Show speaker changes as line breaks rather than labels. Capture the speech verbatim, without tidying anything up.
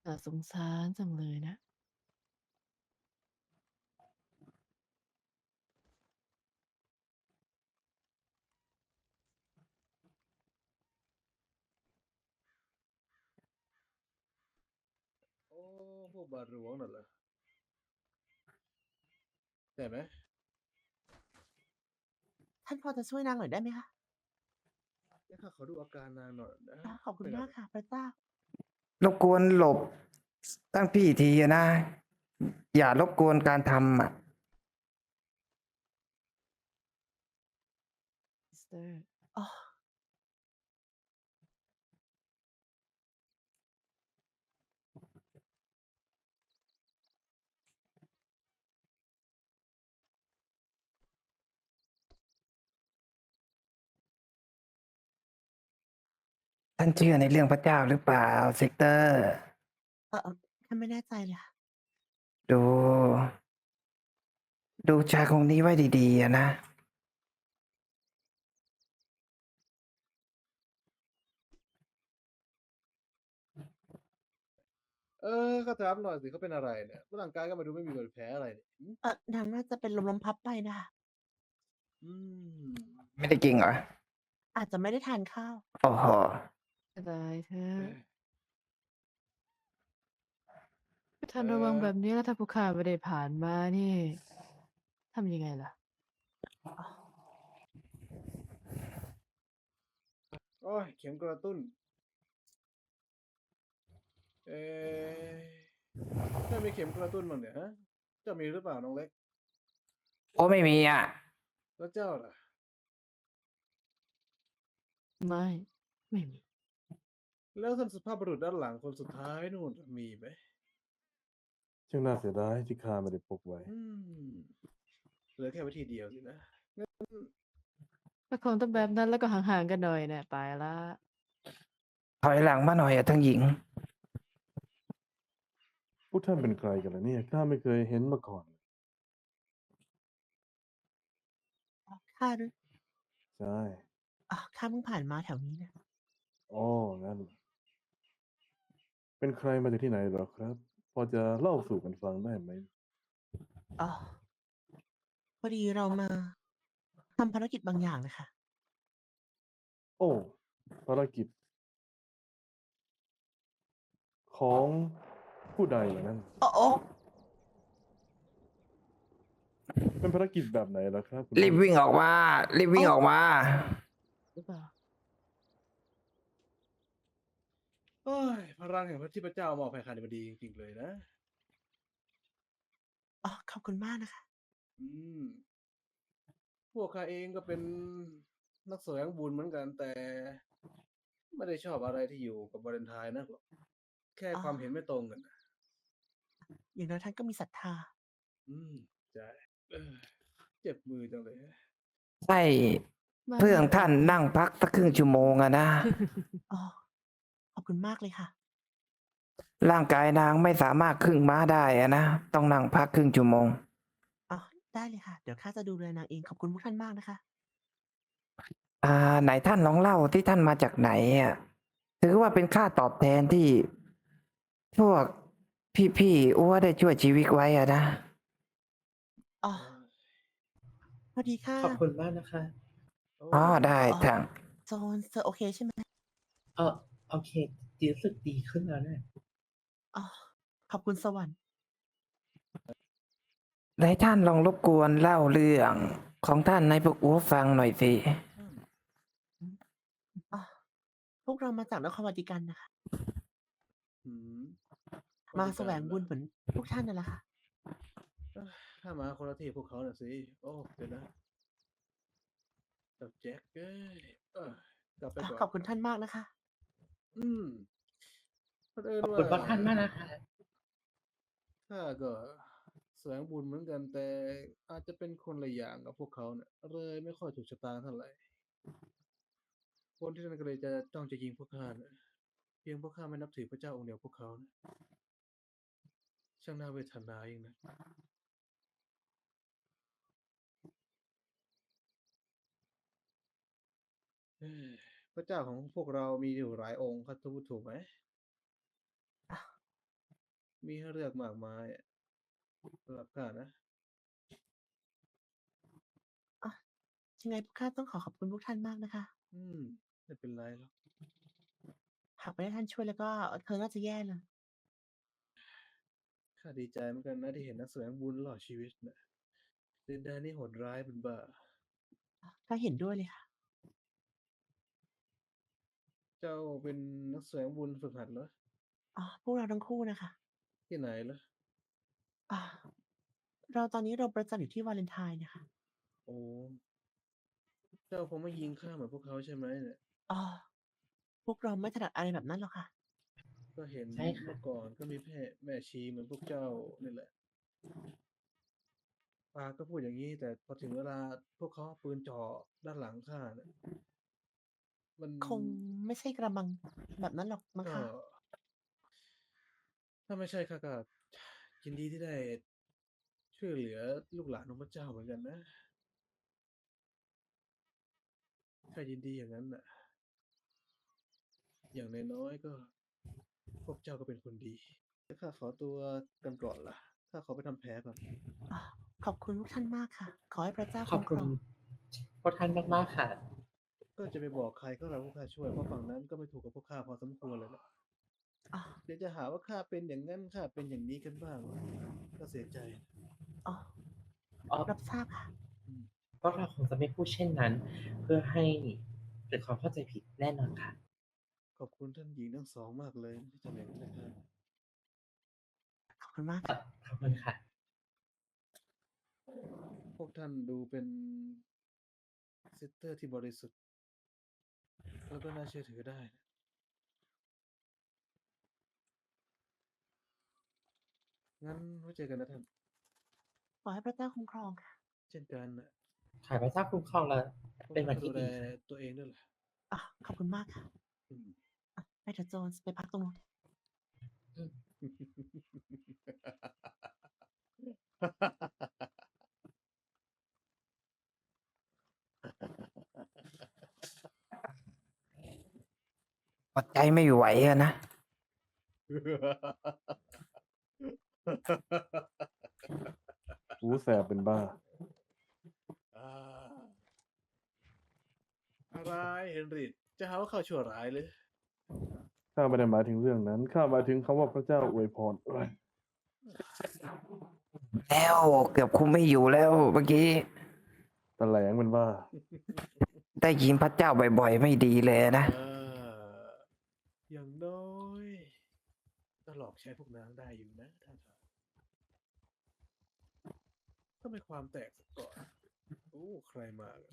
น่าสงสารจังเลยนะ
โอ้พวกบาทหลวงน่ะเหรอใช่ไหม
ท่านพอจะช่วยนางหน่อยได้ไหมคะ
งั้นข้าขอดูอาการนางหน่อยนะ
อ่ะขอบคุณ
เป็นอะไร
มากค่ะพระเจ้า
รบกวนหลบตั้งพี่ทีอะนะ อย่ารบกวนการทำอ่ะ
ซิสเตอร์
อ๋อ
ท่านเชื่อในเรื่องพระเจ้าหรือเปล่าเซกเตอร์
เออเออท่านไม่แน่ใจเลยค่ะ
ดู ดูชายคนนี้ไว้ดีๆอะนะ
เออข้าถามหน่อยสิเขาเป็นอะไรเนี่ยร่างกายก็มาดูไม่มีบาดแผลอะไรเนี่ยหืม
เออนางน่าจะเป็นลมลมพับไปนะคะ
อืม
ไม่ได้กินเหรอ
อาจจะไม่ได้ทานข้าว
โอ้โห
ตายเถอะ
เอ้ย
ท่า
เอ
นระวัง
อ
แบบนี้แล้วถ้าผู้ข้าไม่ได้ผ่านมานี่ทำยังไงล่ะ
อ๋อ
โอ้ยเข็มกระตุ้น เอ๊ะเจ้ามีเข็มกระตุ้นมั้งเนี่ยฮะเจ้ามีหรือเปล่าน้องเล็ก
โอ้ไม่มีอ่ะ
แล้วเจ้าล่ะ
ไม่ ไม่มี
แล้วท่านสุภาพบุรุษด้านหลังคนสุดท้ายนู่นมีไหม
ช่างน่าเสียดายที่ข้าไม่ได้พกไว้
อืมเหลือแค่วิธีเดียวสินะงั้น
ถ้าคงต้องแบบนั้นแล้วก็ห่างๆกันหน่อยนะไปละ
ถอยหลังมาหน่อยอะทั้งหญิง
พวกท่านเป็นใครกันล่ะเนี่ยข้าไม่เคยเห็นมาก่อน
อ๋อข้าหรือ
ใช่
อ๋อข้าเพิ่งผ่านมาแถวนี้นะ
อ๋องั้นเหรอเป็นใครมาจากที่ไหนเหรอครับ พอจะเล่าสู่กันฟังได้ไหม
อ๋อ พอดีเรามาทำภารกิจบางอย่างนะคะ
โอ้ ภารกิจ ของผู้ใดเหรอนั่น
โอ้โอ้
เป็นภารกิจแบบไหนล่ะครับคุณ
รีบ
พี่
วิ่งออกมา รีบวิ่งออกมา
หรือเปล่า
โอ้ยพลังแห่งพระที่พระเจ้ามอบให้ข้านี่มันดีจริงๆเลยนะ
อ๋อ ขอบคุณมากนะคะ
อืม พวกข้าเองก็เป็นนักแสวงบุญเหมือนกัน แต่ไม่ได้ชอบอะไรที่อยู่กับวาเลนไทน์นักหรอก แค่
อ๋อ
ความเห็นไม่ตรงกันน่ะ
อย่างน้อยท่านก็มีศรัทธา
อืม ใช่ เออ เจ็บมือจังเลย
ใช่
มา
เพื่อนท่านนั่งพักสักครึ่งชั่วโมงอะนะ
อ๋อ ขอบคุณมากเลยค่ะ
ร่างกายนางไม่สามารถครึ่งม้าได้อะนะ ต้องนั่งพักครึ่งชั่วโมง
อ๋อ ได้เลยค่ะ เดี๋ยวข้าจะดูแลนางเอง ขอบคุณพวกท่านมากนะคะ
อ่า ไหนท่านลองเล่าที่ท่านมาจากไหนอ่ะ ถือว่าเป็นค่าตอบแทนที่ พวกพี่ๆอ้วได้ช่วยชีวิตไว้อะนะ
อ๋อ
เออ
พอดีค่ะ
ขอบคุณมากนะคะ
โอ้
อ๋อ ได้
อ๋อ
ทาง
โจนเธอโอเคใช่ไหม
เออโอเคดีรู้สึกดีขึ้นแล้วเนี่ย
อ๋อ ขอบคุณสวรรค์
ไหนท่านลองรบกวนเล่าเรื่องของท่านให้พวกอ้วฟังหน่อยสิ
อืม
อืม อ๋อ พวกเรามาจากนครวัติกันนะคะ
หือ
มา
วัติ
แสว
กัน
ง
เหร
บุ
อ
ญเหมือนพวกท่านนั่นแหละค่ะ
เออ ข้ามาคนละที่พวกเขาน่ะสิ โอ้ เดี๋ยวนะ เจ้าแจ็คเอ้ย เออ กลับไป
อ๋อ
ก่อ
ขอน บคุณท่านมากนะคะ
อืม เผอิญ
ขอบ
ว่
คุณพระท่านมากนะคะ
ข้าก็แสวงบุญเหมือนกัน แต่อาจจะเป็นคนละอย่างกับพวกเขาน่ะ เลยไม่ค่อยถูกชะตาเท่าไร คนที่นั่นก็เลยจะจ้องจะยิงพวกข้าน่ะ เพียงเพราะข้าไม่นับถือพระเจ้าองค์เดียวกับพวกเขาน่ะ ช่างน่าเวทนายิ่งนัก เฮ้ย พระเจ้าของพวกเรามีอยู่หลายองค์ ข้าจะพูดถูกไหม?
อ๋อ
มีให้เลือกมากมายอะสำหรับข้านะ
อ่ะยังไงพวกข้าต้องขอขอบคุณพวกท่านมากนะคะ
อืม ไม่เป็นไรหรอก
หากไม่ได้ท่านช่วยแล้วก็เธอน่าจะแย่เลย
ข้าดีใจเหมือนกันนะที่เห็นนักแสวงบุญรอดชีวิตน่ะดินแดนนี้โหดร้ายเป็นบ้า
ก็เห็นด้วยเลยค่ะ
เจ้าเป็นนักแสวงบุญฝึกหัดเหรอ
อ๋อ พวกเราทั้งคู่นะคะ
ที่ไหนเหรอ
อ่าเราตอนนี้เราประจำอยู่ที่วาเลนไทน์นะคะ
โอ้ เจ้าคงไม่ยิงข้าเหมือนพวกเขาใช่ไหมเนี่ย
อ๋อ พวกเราไม่ถนัดอะไรแบบนั้นหรอกค่ะ
ก็เห็น
ใช่ค่ะ
เมื่อก่อนก็มีแม่แม่ชีเหมือนพวกเจ้านี่แหละ ปากก็พูดอย่างนี้ แต่พอถึงเวลาพวกเขาเอาปืนจ่อด้านหลังข้าเนี่ยมัน
คงไม่ใช่กระมังแบบนั้นหรอกมั้ง
ก็
คะ
ถ้าไม่ใช่ข้าก็ยินดีที่ได้ช่วยเหลือลูกหลานของพระเจ้าเหมือนกันนะข้ายินดีอย่างนั้นน่ะ อย่างน้อยๆก็พวกเจ้าก็เป็นคนดีแล้วข้าขอตัวกันก่อนล่ะข้าขอไปทำแผลก่อน
อ่ะขอบคุณพวกท่านมากค่ะ ขอให้พระเจ้า
ขอบ
คุ้มค
คุ
ร
ณ
อง
พวกท่านมากๆค่ะ
ก็จะไปบอกใครก็เราพวกข้าช่วยเพราะฝั่งนั้นก็ไม่ถูกกับพวกข้าพอสมควรเลยนะ
อ๋อ
เดี๋ยวจะหาว่าข้าเป็นอย่างนั้นข้าเป็นอย่างนี้กันบ้างก็เสียใจ
อ๋อ
อ๋อ
รับทราบค่ะ
อืม
พวกเราคงจะไม่พูดเช่นนั้น เพื่อให้เกิดความเข้าใจผิดแน่นอนค่ะ
ขอบคุณท่านหญิงทั้งสองมากเลยที่ทำอย่างนั้นนะครับ
ขอบคุณมากค่ะ
ขอบคุณค่ะ
พวกท่านดูเป็นซิสเตอร์ที่บริสุทธิ์ แล้วก็น่าเชื่อถือได้นะงั้นไว้เจอกันนะท่าน
ขอให้พระเจ้าคุ้มครองค่ะ
เช่นกันนะ
ขายพระเจ้าคุ้มครองแล้ว
พวก
เป็น
ท่า
วัน น
ก็ดู
ที่
แล
ดีค่ะ
ตัวเองด้วยล่ะ
อ่ะ ขอบคุณมากค่ะ
อืม
อ่ะไปเถอะโจนส์ไปพักตรงนู้น
อดใจไม่ไหวอะนะ
หูแสบเป็นบ้า
อ่าอะไรเฮนริชจะหาว่าข้าชั่วร้ายเลย
ข้าไม่ได้หมายถึงเรื่องนั้น ข้าหมายถึงคำว่าพระเจ้าอวยพรเอ้ย
แล้วเกือบคุมไม่อยู่แล้วเมื่อกี้
ตะแหลงเป็นบ้า
ได้ยินพระเจ้าบ่อยๆ ไม่ดีเลยนะ
เออ อย่างน้อยก็หลอกใช้พวกนางได้อยู่นะท่านครับต้องมีความแตกสักก่อน โอ้ ใครมา